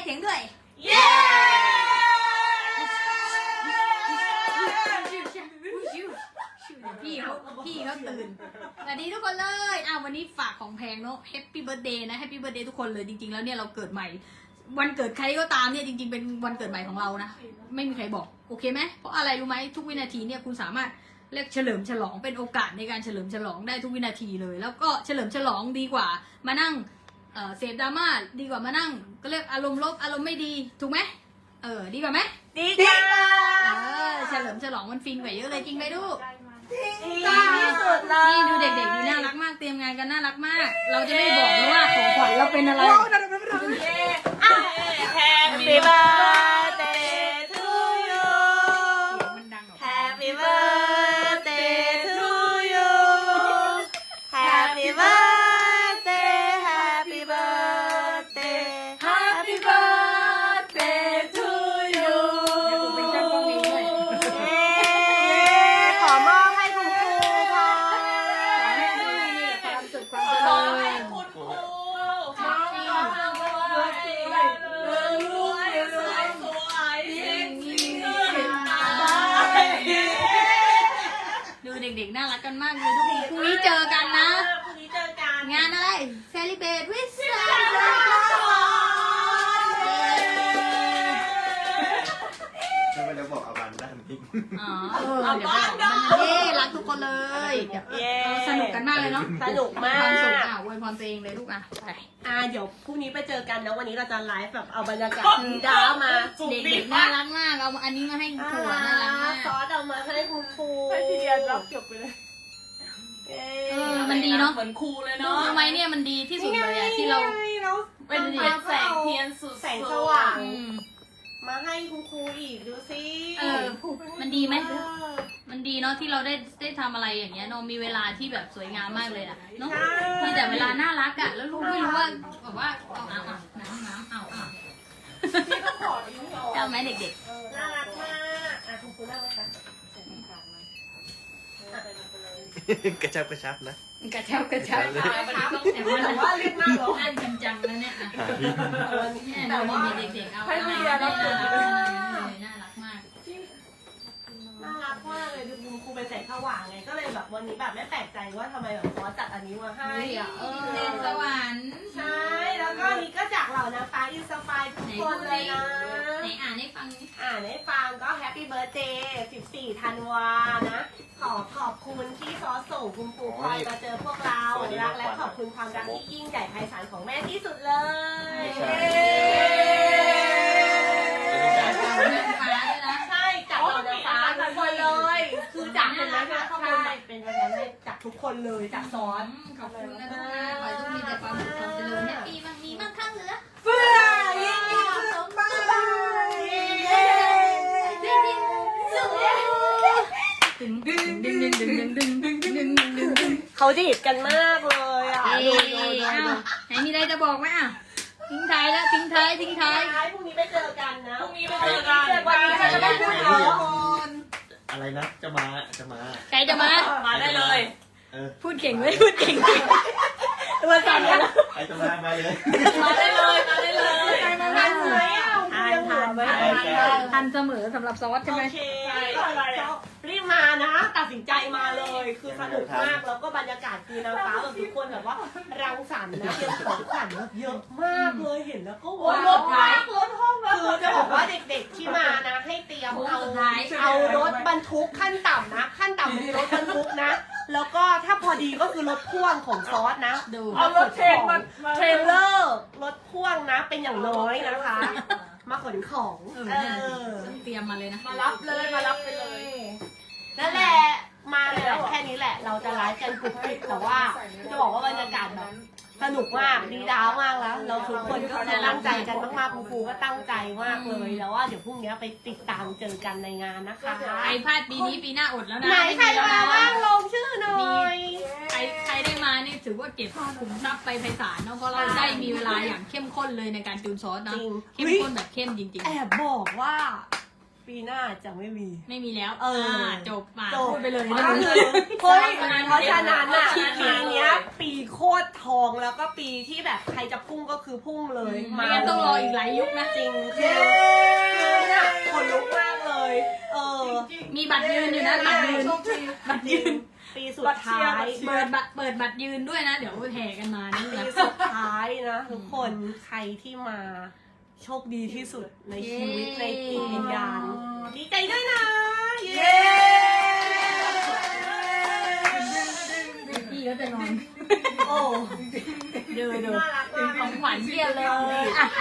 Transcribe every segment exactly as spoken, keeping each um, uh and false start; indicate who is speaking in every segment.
Speaker 1: เสียงด้วย
Speaker 2: เย้
Speaker 1: พี่เขาพี่เขาตื่นสวัสดีทุกคนเลยอ้าววันนี้ฝากของแพงเนาะแฮปปี้เบิร์ธเดย์นะแฮปปี้เบิร์ธเดย์ทุกคนเลยจริงๆแล้วเนี่ยเราเกิดใหม่วันเกิดใครก็ตามเนี่ยจริงๆเป็นวันเกิดใหม่ของเรานะไม่มีใครบอกโอเคไหมเพราะอะไรรู้ไหมทุกวินาทีเนี่ยคุณสามารถเรียกเฉลิมฉลองเป็นโอกาสในการเฉลิมฉลองได้ทุกวินาทีเลยแล้วก็เฉลิมฉลองดีกว่ามานั่งเออเสพดราม่าดีกว่ามานั่งก็เรียกอารมณ์ลบอารมณ์ไม่ดีถูกไหมเออดีกว่าไหม
Speaker 2: ดีจ้า
Speaker 1: เออเฉลิมฉลองมันฟินกว่าเยอะเลยจริงไหมลูก
Speaker 2: ดีที่สุดเลย
Speaker 1: นี่ดูเด็กๆดีน่ารักมากเตรียมงานกันน่ารักมาก เราจะไม่บอกนะว่าของขวัญเราเป็นอะไร
Speaker 2: Happy birthday to you
Speaker 1: มันดังออก
Speaker 2: Happy birthday to you Happy birthday Happy birthday Happy birthday to you
Speaker 1: เป็นช่างกล้องเองด้วย
Speaker 2: ขอมอบให้คุณครูค่ะ
Speaker 1: ขอให้ดูมีแต่ความสุขความเจ
Speaker 2: ขอ
Speaker 1: ริ
Speaker 2: ให้
Speaker 1: ญ
Speaker 2: คุณครูขอให้รวยรวยสวยสวยยิ่งยิ่งขึ้นไป
Speaker 1: ดูเด็กๆน่ารักกันมากเลยทุกคนพรุ่งนี้เจอกันนะ
Speaker 2: พรุ่งนี้เจอกัน
Speaker 1: งานอะไร Celebrate with
Speaker 3: ไม่ไปแล้วบอกอาวันด้านนี้
Speaker 1: อ๋อเออเดี๋ยวบอกมันเย้รักทุกคนเลยเดี๋ยว
Speaker 2: เย้
Speaker 1: สนุกกันมากเลยเนาะ
Speaker 2: สนุกมาก
Speaker 1: ความสุขอ่ะอวยพรตัวเองเลยลูกอ่ะไป
Speaker 2: อ่าเดี๋ยวพรุ่งนี้ไปเจอกันนะวันนี้เราจะไลฟ์แบบเอาบรรยากาศดีดามา
Speaker 1: เด็กๆน่ารักมากเอาอันนี้มาให้ครูอ่ะน่ารักมาก
Speaker 2: ซอสเอามาให้คุณครู
Speaker 4: ให้พี่เดียรับจบไปเลย
Speaker 2: เย้
Speaker 1: เออมันดีเนาะ
Speaker 4: เหมือนครูเลยเนาะ
Speaker 1: ทำไมเนี่ยมันดีที่สุดเลยอะที่เรา
Speaker 4: เป็นเป็นแสงเทียนสุดๆ
Speaker 2: แสงสว่าง
Speaker 1: อืม
Speaker 2: มาให้คุณครูอีกดูสิ
Speaker 1: เออมันดีไหมมันดีเนาะที่เราได้ได้ทำอะไรอย่างเงี้ยเนาะมีเวลาที่แบบสวยงามมากเลยอะเนาะมีแต่เวลาน่ารักอะแล้วลูกไม่รู้ว่าแบบว่าเอาเอาเอาน้ำน้ำเอาเอาเอาไหมเด็ก
Speaker 2: น่ารักมากอ่ะคุณครูนั่งไหมคะ
Speaker 3: กระชับกระชับนะ
Speaker 1: ๆกระเช้ากระเช้า
Speaker 3: เลย
Speaker 1: แต่ว่า
Speaker 2: แต่ว่าเรียกน่ารัก
Speaker 1: นั่นจริงจังแล้วเนี่ยอะ
Speaker 3: หาพี่
Speaker 1: เนี่ยดูมีเด็กๆเอาเอาเอาน่ารักน่ารักมาก
Speaker 2: น่ารักมากเลยดูคุณครูเป็นแสงสว่างไงก็เลยแบบวันนี้แบบไม่แปลกใจว่าทำไมแบบซอสจัดอันนี้มาให้
Speaker 1: เออเด็กสวรรค์
Speaker 2: ใช่แล้วก็อันนี้ก็จากเหล่านะฟ้าอินสปายทุกคนเลยนะ
Speaker 1: ไหนอ่านให้ฟังนิด
Speaker 2: อ่านให้ฟังก็แฮปปี้เบิร์ a เดย์สิบสี่ธันวานะ ขอขอบคุณที่ซอสส่งคุณครูพลอยมาเจอพวกเรารักและขอบคุณความรักที่ยิ่งใหญ่ไพศาลของแม่ที่สุดเลย
Speaker 3: ใช่
Speaker 1: เรื่องฟ้าด้วยนะ
Speaker 2: ใช่จากเหล่านะฟ้าทุกคนเลย คือจากคนนั้นนะข้างบนเป็นวันนั้นเลยจากทุกคนเลยจากซอส
Speaker 1: ขอบคุณนะทุกคนขอให้ทุกมีแต่ความสุขความเจริญแฮปปี้บ้างมีบ้างข้างเหลือ
Speaker 2: เฟื่อยิ่งยิ่งขึ้นไปเย้
Speaker 1: ดึงดึงดึงดึงดึงดึงดึงดึงดึงดึงดึงดึง
Speaker 2: เขาดีดกันมากเลยอ่ะ
Speaker 1: เอ้ยอ้าวไหนมีอะไรจะบอกไหมอ่ะทิ้งท้ายแล้วทิ้งท้ายทิ้งท้าย
Speaker 2: ท้ายพรุ่งนี้ไปเจอกันนะ
Speaker 4: พรุ่งนี้ไปเจอกัน
Speaker 2: วันนี้เราจะไม่พูดเยอะ
Speaker 3: อะไรนะ จะมาจะมา
Speaker 1: ใครจะมา
Speaker 4: มาได้เลย
Speaker 3: เออ
Speaker 1: พูดเก่งไหมพูดเก่งจริง
Speaker 2: ตัวสั่นกัน
Speaker 3: ใครจะมามาเลย
Speaker 4: มาได้เลยมาได้เลย
Speaker 2: ทันไหมอ่ะยังเหลือไหม
Speaker 1: ทันเสมอสำหรับซอสใช่ไหม
Speaker 2: โอเครีบมานะตัดสินใจมาเลย คือสนุกมากแล้วก็บรรยากาศคือนางฟ้าแบบทุกคนแบบว่ารังสรรค์นะเตรียมของขวัญแบบเยอะมากเลยเห็นแล้วก็ว้าวมากรถห้องคือจะบอกว่าเด็กๆที่มานะให้เตรียมเอาเอารถบรรทุกขั้นต่ำนะ ขั้นต่ำคือรถบรรทุกนะ แล้วก็ถ้าพอดีก็คือรถพ่วงของซอสนะ
Speaker 1: ดู
Speaker 4: เอารถเทรนมามา
Speaker 2: เทรลเลอร์รถพ่วงนะเป็นอย่างน้อยนะคะ มาขนของ
Speaker 1: เออ
Speaker 2: เออ
Speaker 1: ต้องเตรียมมาเลยนะ
Speaker 4: มารับเลยมารับไปเลย
Speaker 2: นั่นแหละมาเลยแหละแค่นี้แหละ เราจะไลฟ์กันกรุบกริบแต่ว่าจะบอกว่าบรรยากาศแบบสนุกมากดีดาวมากแล้ว เราทุกคนก็คือตั้งใจกันมากๆคุณครูก็ตั้งใจมากเลยแล้วว่าเดี๋ยวพรุ่งนี้ไปติดตามเจอกันในงานนะคะ
Speaker 1: ใครพลาดปีนี้ปีหน้าอดแล้วนะ
Speaker 2: ไหนใครมาบ้างลงชื่อหน่อย
Speaker 1: ใครใครได้มานี่ถือว่าเก็บขุมทรัพย์ไปไพศาลเนาะเพราะเราได้มีเวลาอย่างเข้มข้นเลยในการจูนซอสนะ
Speaker 2: จริง
Speaker 1: เข้มข้นแบบเข้มจริง
Speaker 2: แอบบอกว่าปีหน้าจะไม่มี
Speaker 1: ไม่มีแล้ว
Speaker 2: เออ
Speaker 1: จบมา
Speaker 2: จบ
Speaker 1: พูดไปเลย
Speaker 2: ก็
Speaker 1: นะ
Speaker 2: คือเฮ้ยเพราะฉะนั้นอ่ะ
Speaker 4: เพราะฉะนั้น
Speaker 2: ปีเนี้ยปีโคตรทองแล้วก็ปีที่แบบใครจะพุ่งก็คือพุ่งเลย
Speaker 1: ไม่งั้นต้องรออีกหลายยุคนะ
Speaker 2: จริงคือเนี่ยคนลุกมากเลย เออ
Speaker 1: มีบัตรยืนอยู่นะบัตรยืน
Speaker 5: โชคดี
Speaker 1: บัตรยืน
Speaker 2: ปีสุดท้าย
Speaker 1: เปิดบัตรเปิดบัตรยืนด้วยนะ เดี๋ยวแห่กันมานี่
Speaker 2: ปี
Speaker 1: นะ
Speaker 2: สุดท้ายนะทุกคนใครที่มาโชคดีที่สุดในชีวิตในจิตวิญญาณดีใจด้วยนะ เย้
Speaker 1: พี่ก็จะนอน
Speaker 2: โอ้
Speaker 1: เดี๋ยวเดี๋ยว
Speaker 2: น่ารักมาก
Speaker 1: ของขวัญเพียบเลยอ่ะ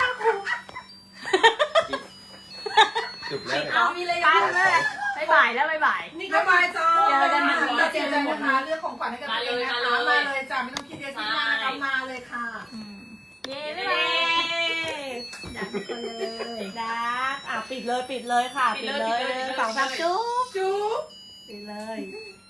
Speaker 3: จุบแล้ว
Speaker 1: เอามีเลยกันแม่บ๊ายบายแล้วบ๊ายบาย
Speaker 5: นี่ก็บายจ้า
Speaker 1: เจอกันนะ
Speaker 5: เราเจอกันนะคะเรื่องของขวัญให้กันเองนะคะมาเลยจ้าไม่ต้องคิดเยอะคิดมากนะคะมาเลยค่ะ
Speaker 1: อืมเย้
Speaker 2: เย้
Speaker 1: บ๊ายบายอยากทุกคนเลย
Speaker 2: ดักอ่ะปิดเลยปิดเลยค่ะ ปิดเลยหนึ่งสองสามจุ๊บ
Speaker 5: จุ๊บ
Speaker 2: ปิดเลย